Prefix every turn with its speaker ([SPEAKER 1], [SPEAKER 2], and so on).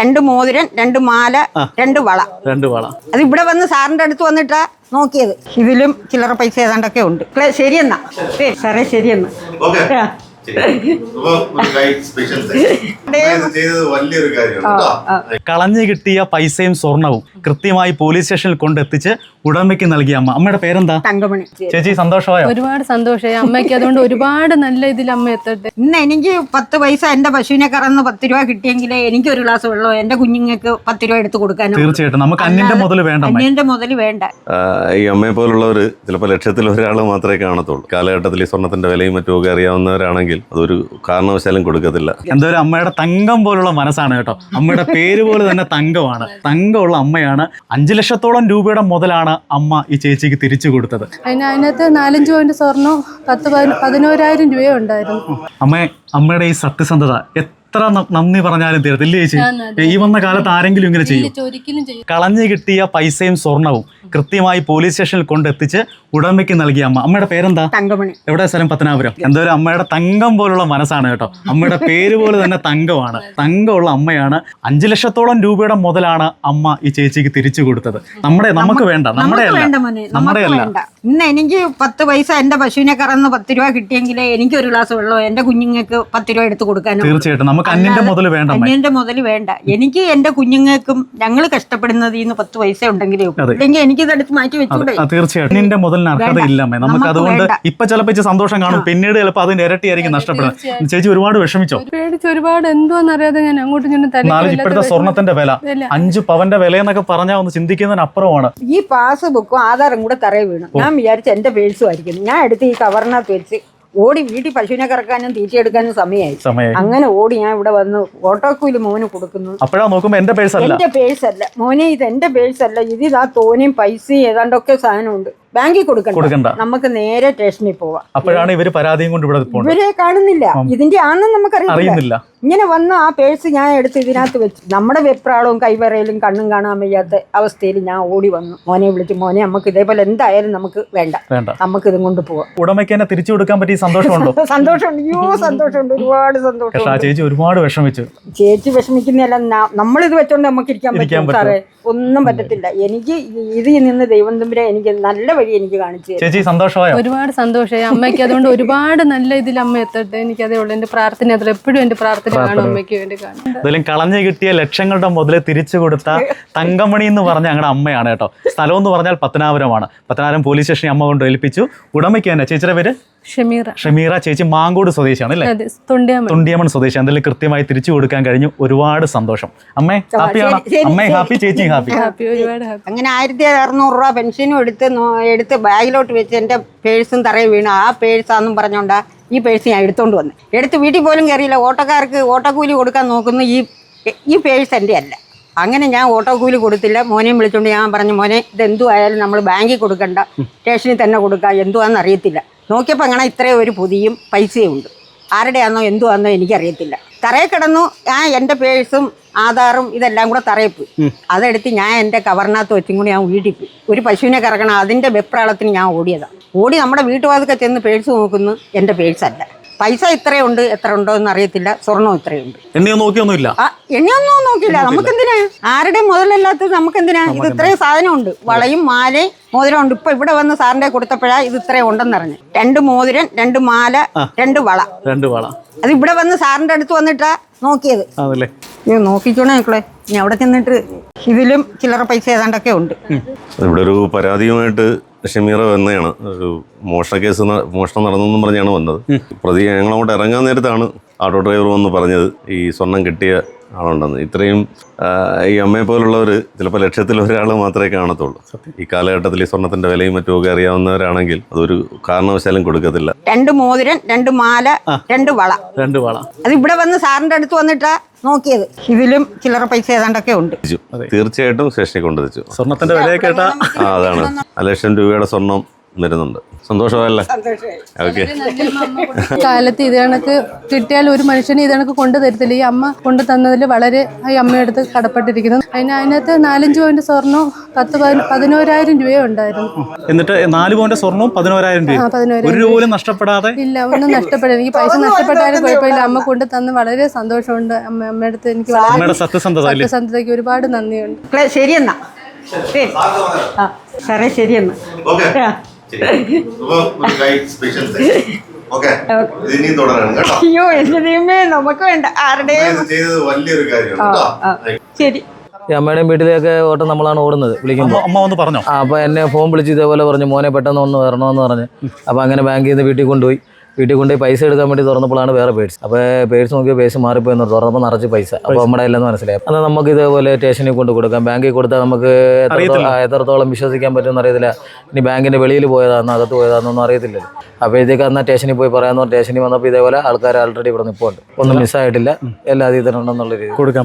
[SPEAKER 1] രണ്ട് മോതിരം, രണ്ട് മാല, രണ്ട് വള. അത് ഇവിടെ വന്ന് സാറിന്റെ അടുത്ത് വന്നിട്ടാ നോക്കിയത്. ഇതിലും ചില്ലറ പൈസ ഏതാണ്ടൊക്കെ ഉണ്ട്. ശരിയെന്നാ സാറേ, ശരിയെന്നാ.
[SPEAKER 2] കളഞ്ഞു കിട്ടിയ പൈസയും സ്വർണവും കൃത്യമായി പോലീസ് സ്റ്റേഷനിൽ കൊണ്ടെത്തിച്ച് ഉടമയ്ക്ക് നൽകിയ അമ്മ. അമ്മയുടെ പേരെന്താ?
[SPEAKER 1] തങ്കമണി.
[SPEAKER 2] ചേച്ചി സന്തോഷമായോ?
[SPEAKER 3] ഒരുപാട് സന്തോഷമായി അമ്മയ്ക്ക്. അതുകൊണ്ട് ഒരുപാട് നല്ല ഇതിൽ അമ്മ എത്തട്ടെ.
[SPEAKER 1] ഇന്ന് എനിക്ക് 10 പൈസ എന്റെ പശുവിനെ കറന്ന് 10 രൂപ കിട്ടിയെങ്കിൽ എനിക്ക് ഒരു ഗ്ലാസ് വെള്ളമോ എന്റെ കുഞ്ഞുങ്ങൾക്ക് 10 രൂപ എടുത്ത് കൊടുക്കാനോ.
[SPEAKER 2] തീർച്ചയായിട്ടും നമുക്ക് അന്യന്റെ മുതൽ വേണ്ട.
[SPEAKER 1] അന്യന്റെ മുതൽ വേണ്ട.
[SPEAKER 4] ഈ അമ്മയെ പോലുള്ളവർ ചിലപ്പോൾ ലക്ഷത്തിൽ ഒരാൾ മാത്രമേ കാണത്തുള്ളൂ. കാലഘട്ടത്തിൽ ഈ സ്വർണത്തിന്റെ വിലയും മറ്റുമൊക്കെ അറിയാവുന്നവരാണെങ്കിൽ അതൊരു കാരണവശാലും കൊടുക്കത്തില്ല.
[SPEAKER 2] എന്തായാലും അമ്മയുടെ തങ്കം പോലുള്ള മനസ്സാണ് കേട്ടോ. അമ്മയുടെ പേര് പോലെ തന്നെ തങ്കമാണ്. തങ്കമുള്ള അമ്മയാണ്. 5 ലക്ഷത്തോളം രൂപയുടെ മുതലാണ് അമ്മ ഈ ചേച്ചിക്ക് തിരിച്ചു കൊടുത്തത്.
[SPEAKER 3] അതിനകത്ത് 4-5 പവന്റെ സ്വർണം 10-11,000 രൂപ ഉണ്ടായിരുന്നു.
[SPEAKER 2] അമ്മയുടെ ഈ സത്യസന്ധത എത്ര നന്ദി പറഞ്ഞാലും തീരത്തില്ലേ ചേച്ചി? ഈ വന്ന കാലത്ത് ആരെങ്കിലും ഇങ്ങനെ ചെയ്യും? കളഞ്ഞു കിട്ടിയ പൈസയും സ്വർണവും കൃത്യമായി പോലീസ് സ്റ്റേഷനിൽ കൊണ്ടെത്തിച്ച് ഉടമയ്ക്ക് നൽകിയ അമ്മ. അമ്മയുടെ പേരെന്താ?
[SPEAKER 1] തങ്കമണി.
[SPEAKER 2] എവിടെ സ്ഥലം? പത്തനാപുരം. എന്തായാലും അമ്മയുടെ തങ്കം പോലുള്ള മനസ്സാണ് കേട്ടോ. അമ്മയുടെ പേര് പോലെ തന്നെ തങ്കമാണ്. തങ്കമുള്ള അമ്മയാണ്. 5 ലക്ഷത്തോളം രൂപയുടെ മുതലാണ് അമ്മ ഈ ചേച്ചിക്ക് തിരിച്ചു കൊടുത്തത്. നമുക്ക് വേണ്ട. നമ്മുടെ അല്ല.
[SPEAKER 1] ഇന്ന് എനിക്ക് 10 പൈസ എന്റെ പശുവിനെ കറന്ന് 10 രൂപ കിട്ടിയെങ്കിൽ എനിക്ക് ഒരു ഗ്ലാസ് വെള്ളമോ എന്റെ കുഞ്ഞുങ്ങൾക്ക് 10 രൂപ എടുത്ത് കൊടുക്കാനോ.
[SPEAKER 2] തീർച്ചയായിട്ടും നമുക്ക് അന്യന്റെ മുതൽ വേണ്ട.
[SPEAKER 1] അന്യന്റെ മുതൽ വേണ്ട. എനിക്ക് എന്റെ കുഞ്ഞുങ്ങൾക്കും ഞങ്ങൾ കഷ്ടപ്പെടുന്നത് 10 പൈസ ഉണ്ടെങ്കിലേ ഇല്ലെങ്കിൽ എനിക്ക് ഇതെടുത്ത് മാറ്റി വെച്ചൂടെ.
[SPEAKER 2] തീർച്ചയായിട്ടും അന്യന്റെ മുതലിന് അർഹതയില്ല. നമുക്ക് അതുകൊണ്ട് ഇപ്പൊ ചിലപ്പോ സന്തോഷം കാണും, പിന്നീട് ചിലപ്പോൾ അതിന്റെ ഇരട്ടിയായിരിക്കും നഷ്ടപ്പെടുന്നത്. ചേച്ചി ഒരുപാട് വിഷമിച്ചോ?
[SPEAKER 3] ഒരുപാട് എന്തോന്നറിയാതെ ഞാൻ അങ്ങോട്ടും
[SPEAKER 2] ഇപ്പോഴത്തെ സ്വർണത്തിന്റെ വില 5 പവന്റെ വില എന്നൊക്കെ പറഞ്ഞാൽ ഒന്ന് ചിന്തിക്കുന്നതിനപ്പുറമാണ്.
[SPEAKER 1] ഈ പാസ്ബുക്കും ആധാറും കൂടെ തറയെ വീണു. ഞാൻ വിചാരിച്ച എന്റെ പേഴ്സും ആയിരിക്കും. ഞാൻ എടുത്ത് ഈ കവറിനകത്ത് വെച്ച് ഓടി വീട്ടിൽ പശുവിനെ കറക്കാനും തീറ്റയെടുക്കാനും സമയമായി. അങ്ങനെ ഓടി ഞാൻ ഇവിടെ വന്ന് ഓട്ടോക്കൂലി മോന് കൊടുക്കുന്നു.
[SPEAKER 2] അപ്പോഴാ നോക്കുമ്പോ എന്റെ പേഴ്സ്
[SPEAKER 1] അല്ല മോനെ, ഇത് എന്റെ പേഴ്സ് അല്ല. ഇതിതാ തോനെയും പൈസയും ഏതാണ്ടൊക്കെ സാധനമുണ്ട്. ബാങ്കിൽ കൊടുക്കണ്ട. നമുക്ക് നേരെ സ്റ്റേഷനിൽ പോവാം.
[SPEAKER 2] അപ്പോഴാണ് ഇവര് പരാതിയും കൊണ്ട് ഇവിടെ
[SPEAKER 1] ഇവരെ കാണുന്നില്ല. ഇതിന്റെ ആണെന്ന് നമുക്കറിയില്ല. ഇങ്ങനെ വന്ന് ആ പേഴ്സ് ഞാൻ എടുത്ത് ഇതിനകത്ത് വെച്ച് നമ്മുടെ വെപ്രാളവും കൈവറയിലും കണ്ണും കാണാൻ വയ്യാത്ത അവസ്ഥയിൽ ഞാൻ ഓടി വന്നു. മോനെ വിളിച്ചു, മോനെ നമുക്ക് ഇതേപോലെ എന്തായാലും നമുക്ക് വേണ്ട, നമുക്ക് ഇതും കൊണ്ട് പോവാം.
[SPEAKER 2] ഉടമയ്ക്ക് തന്നെ തിരിച്ചു കൊടുക്കാൻ പറ്റിയ സന്തോഷമുണ്ടോ?
[SPEAKER 1] സന്തോഷമുണ്ട്. സന്തോഷമുണ്ട്. ഒരുപാട് സന്തോഷം.
[SPEAKER 2] ചേച്ചി ഒരുപാട് വിഷമിച്ചു.
[SPEAKER 1] ചേച്ചി വിഷമിക്കുന്നതല്ല, നമ്മളിത് വെച്ചോണ്ട് നമുക്ക് ഇരിക്കാൻ പറ്റും സാറേ? ഒന്നും പറ്റത്തില്ല. എനിക്ക് ഇതിൽ നിന്ന് ദൈവം തമ്പുരാൻ എനിക്ക് നല്ല വഴി എനിക്ക് കാണിച്ചു.
[SPEAKER 2] ചേച്ചി സന്തോഷമായോ?
[SPEAKER 3] ഒരുപാട് സന്തോഷമായി അമ്മയ്ക്ക്. അതുകൊണ്ട് ഒരുപാട് നല്ല ഇതിൽ അമ്മ എത്തട്ടെ. എനിക്ക് അതേ ഉള്ളൂ. എന്റെ പ്രാർത്ഥന അതിൽ എപ്പോഴും എന്റെ പ്രാർത്ഥന കാണും അമ്മയ്ക്ക് വേണ്ടി കാണും.
[SPEAKER 2] എന്തായാലും കളഞ്ഞു കിട്ടിയ ലക്ഷങ്ങളുടെ മുതൽ തിരിച്ചു കൊടുത്ത തങ്കമണി എന്ന് പറഞ്ഞ ഞങ്ങളുടെ അമ്മയാണ് കേട്ടോ. സ്ഥലം എന്ന് പറഞ്ഞാൽ പത്തനാപുരമാണ്. പത്തനാപുരം പോലീസ് സ്റ്റേഷനിൽ അമ്മ കൊണ്ട് ഏൽപ്പിച്ചു. ഉടമയ്ക്ക് തന്നെ ചേച്ചിയുടെ പേര് ഷമീറ. ചേച്ചി മാങ്കോട് സ്വദേശിയാണ് അല്ലേ? തൊണ്ടിയമൺ സ്വദേശി. എന്തായാലും കൃത്യമായി തിരിച്ചു കൊടുക്കാൻ കഴിഞ്ഞു. ഒരുപാട് സന്തോഷം. അമ്മേ ഹാപ്പിയാണോ? അമ്മേ ഹാപ്പി, ചേച്ചി ഹാപ്പി.
[SPEAKER 1] അങ്ങനെ 1600 രൂപ പെൻഷനും എടുത്ത് ബാഗിലോട്ട് വെച്ച് എന്റെ പേഴ്സും തറയിൽ വീണു. ആ പേഴ്സാന്നും പറഞ്ഞോണ്ടാ ഈ പേഴ്സ് ഞാൻ എടുത്തോണ്ട് വന്നു. എടുത്ത് വീട്ടിൽ പോലും കയറിയില്ല. ഓട്ടോക്കാർക്ക് ഓട്ടോക്കൂലി കൊടുക്കാൻ നോക്കുന്നു. ഈ പേഴ്സ് എൻ്റെ അല്ല. അങ്ങനെ ഞാൻ ഓട്ടോക്കൂലി കൊടുത്തില്ല. മോനെയും വിളിച്ചോണ്ട് ഞാൻ പറഞ്ഞു, മോനെ ഇതെന്തു ആയാലും നമ്മൾ ബാങ്കിൽ കൊടുക്കണ്ട, സ്റ്റേഷനിൽ തന്നെ കൊടുക്കുക. എന്തുവാന്ന് അറിയത്തില്ല. നോക്കിയപ്പോൾ അങ്ങനെ ഇത്രയും ഒരു പൊതിയും പൈസയും ഉണ്ട്. ആരുടെയാണെന്നോ എന്തുവാണെന്നോ എനിക്കറിയത്തില്ല. തറയിൽ കിടന്നു. ഞാൻ എൻ്റെ പേഴ്സും ആധാറും ഇതെല്ലാം കൂടെ തറയിൽ പോയി. അതെടുത്ത് ഞാൻ എൻ്റെ കവറിനകത്ത് വെച്ചും കൂടി ഞാൻ വീട്ടിൽ പോയി. ഒരു പശുവിനെ കറക്കണം, അതിൻ്റെ വെപ്രാളത്തിന് ഞാൻ ഓടിയതാണ്. ഓടി നമ്മുടെ വീട്ടുവാതൊക്കെ ചെന്ന് പേഴ്സ് നോക്കുന്നു. എൻ്റെ പേഴ്സല്ല. പൈസ ഇത്രയുണ്ട്, എത്ര ഉണ്ടോ എന്ന് അറിയത്തില്ല. സ്വർണ്ണം ഇത്രയുണ്ട്.
[SPEAKER 2] എണ്ണിയൊന്നും
[SPEAKER 1] നോക്കില്ല. നമുക്കെന്തിനാ? ആരുടെയും മുതലല്ലാത്തത് നമുക്കെന്തിനാ? ഇത് ഇത്രയും സാധനമുണ്ട്. വളയും മാലയും മോതിരം ഉണ്ട്. ഇപ്പൊ ഇവിടെ വന്ന് സാറിന്റെ കൊടുത്തപ്പോഴാ ഇത് ഇത്രയും ഉണ്ടെന്നറിഞ്ഞു. 2 മോതിരം, 2 മാല, 2 വള. അത് ഇവിടെ വന്ന് സാറിന്റെ അടുത്ത് വന്നിട്ടാ നോക്കിയത്. നോക്കിക്കോണേ മക്കളെ. ഇനി അവിടെ ചെന്നിട്ട് ഇതിലും ചില്ലറ പൈസ ഏതാണ്ടൊക്കെ ഉണ്ട്.
[SPEAKER 4] ഇവിടെ ഒരു പരാതിയുമായിട്ട് ഷമീറ വന്നതാണ്. ഒരു മോഷണം നടന്നെന്നും പറഞ്ഞാണ് വന്നത്. പ്രതി ഞങ്ങളങ്ങോട്ട് ഇറങ്ങാൻ നേരത്താണ് ഓട്ടോ ഡ്രൈവർ വന്ന് പറഞ്ഞത് ഈ സ്വർണം കിട്ടിയ ആളുണ്ടെന്ന്. ഇത്രയും ഈ അമ്മയെ പോലുള്ളവർ ചിലപ്പോൾ ലക്ഷത്തിൽ ഒരാൾ മാത്രമേ കാണത്തുള്ളൂ. ഈ കാലഘട്ടത്തിൽ ഈ സ്വർണത്തിന്റെ വിലയും മറ്റുമൊക്കെ അറിയാവുന്നവരാണെങ്കിൽ അതൊരു കാരണവശാലും കൊടുക്കത്തില്ല.
[SPEAKER 1] 2 മോതിരം, 2 മാല, 2 വള. അത് ഇവിടെ വന്ന് സാറിന്റെ അടുത്ത് വന്നിട്ടാ നോക്കിയത്. ഇതിലും ചില്ലറ പൈസ ഏതാണ്ടൊക്കെ ഉണ്ട്.
[SPEAKER 4] തീർച്ചയായിട്ടും സ്റ്റേഷനിൽ കൊണ്ടുവച്ചു.
[SPEAKER 2] സ്വർണത്തിന്റെ വില കേട്ടാ
[SPEAKER 4] അതാണ് 1 ലക്ഷം രൂപയുടെ സ്വർണം വരുന്നുണ്ട്. സന്തോഷമല്ലേ? ഓക്കെ.
[SPEAKER 3] കാലത്ത് ഇത് കണക്ക് കിട്ടിയാൽ ഒരു മനുഷ്യന് ഇത് കണക്ക് കൊണ്ടു തരത്തില്ല. ഈ അമ്മ കൊണ്ടു തന്നതിൽ വളരെ ഈ അമ്മയടുത്ത് കടപ്പെട്ടിരിക്കുന്നു. അതിനകത്ത് 4-5 പവന്റെ സ്വർണ്ണവും 11,000 രൂപയും ഉണ്ടായിരുന്നു.
[SPEAKER 2] എന്നിട്ട് 4 പവന്റെ സ്വർണവും 11,000 രൂപ.
[SPEAKER 3] 11,000
[SPEAKER 2] ഒരു രൂപ പോലും നഷ്ടപ്പെടാതെ?
[SPEAKER 3] ഇല്ല, ഒന്നും നഷ്ടപ്പെടില്ല. എനിക്ക് പൈസ നഷ്ടപ്പെട്ടാലും കുഴപ്പമില്ല. അമ്മ കൊണ്ടു തന്ന് വളരെ സന്തോഷമുണ്ട്. അമ്മയടുത്ത് എനിക്ക്
[SPEAKER 2] അമ്മയുടെ
[SPEAKER 3] സത്യസന്ധതയ്ക്ക് ഒരുപാട് നന്ദിയുണ്ട്.
[SPEAKER 1] ശരിയെന്നാ. ശരി. ആ സാറേ ശരിയെന്നാ. അയ്യോ എന്റെ ദൈവമേ, നമുക്ക് വേണ്ട ആരുടെയും. ശരി.
[SPEAKER 5] ഈ അമ്മയുടെയും വീട്ടിലേക്ക് ഓട്ടം നമ്മളാണ് ഓടുന്നത് വിളിക്കുമ്പോൾ.
[SPEAKER 2] അമ്മ വന്ന് പറഞ്ഞോ?
[SPEAKER 5] അപ്പോൾ എന്നെ ഫോൺ വിളിച്ച് ഇതേപോലെ പറഞ്ഞു, മോനെ പെട്ടെന്ന് ഒന്ന് വരണമെന്ന് പറഞ്ഞ്. അപ്പോൾ അങ്ങനെ ബാങ്കിൽ നിന്ന് വീട്ടിൽ കൊണ്ടുപോയി പൈസ എടുക്കാൻ വേണ്ടി തുറന്നപ്പോഴാണ് വേറെ പേഴ്സ്. അപ്പോൾ പേഴ്സ് നോക്കിയ പേഴ്സ് മാറിപ്പോയി എന്ന് തുറന്നപ്പോൾ നിറച്ച് പൈസ. അപ്പോൾ നമ്മുടെ ഇല്ലെന്ന് മനസ്സിലായി. അന്ന് നമുക്ക് ഇതേപോലെ സ്റ്റേഷനിൽ കൊണ്ട് കൊടുക്കാം. ബാങ്കിൽ കൊടുത്താൽ നമുക്ക് എത്രത്തോളം വിശ്വസിക്കാൻ പറ്റുമെന്ന് അറിയത്തില്ല. ഇനി ബാങ്കിൻ്റെ വെളിയിൽ പോയതാണെന്നോ അകത്ത് പോയതാണെന്നൊന്നും അറിയത്തില്ലല്ലോ. അപ്പോഴത്തേക്ക് അന്ന് സ്റ്റേഷനിൽ പോയി പറയാമെന്ന് സ്റ്റേഷനിൽ വന്നപ്പോൾ ഇതേപോലെ ആൾക്കാർ ആൾറെഡി ഇവിടെ നിൽപ്പുണ്ട്. ഒന്നും മിസ്സായിട്ടില്ല, എല്ലാ അതീതനുണ്ടെന്നുള്ള രീതി
[SPEAKER 2] കൊടുക്കാം.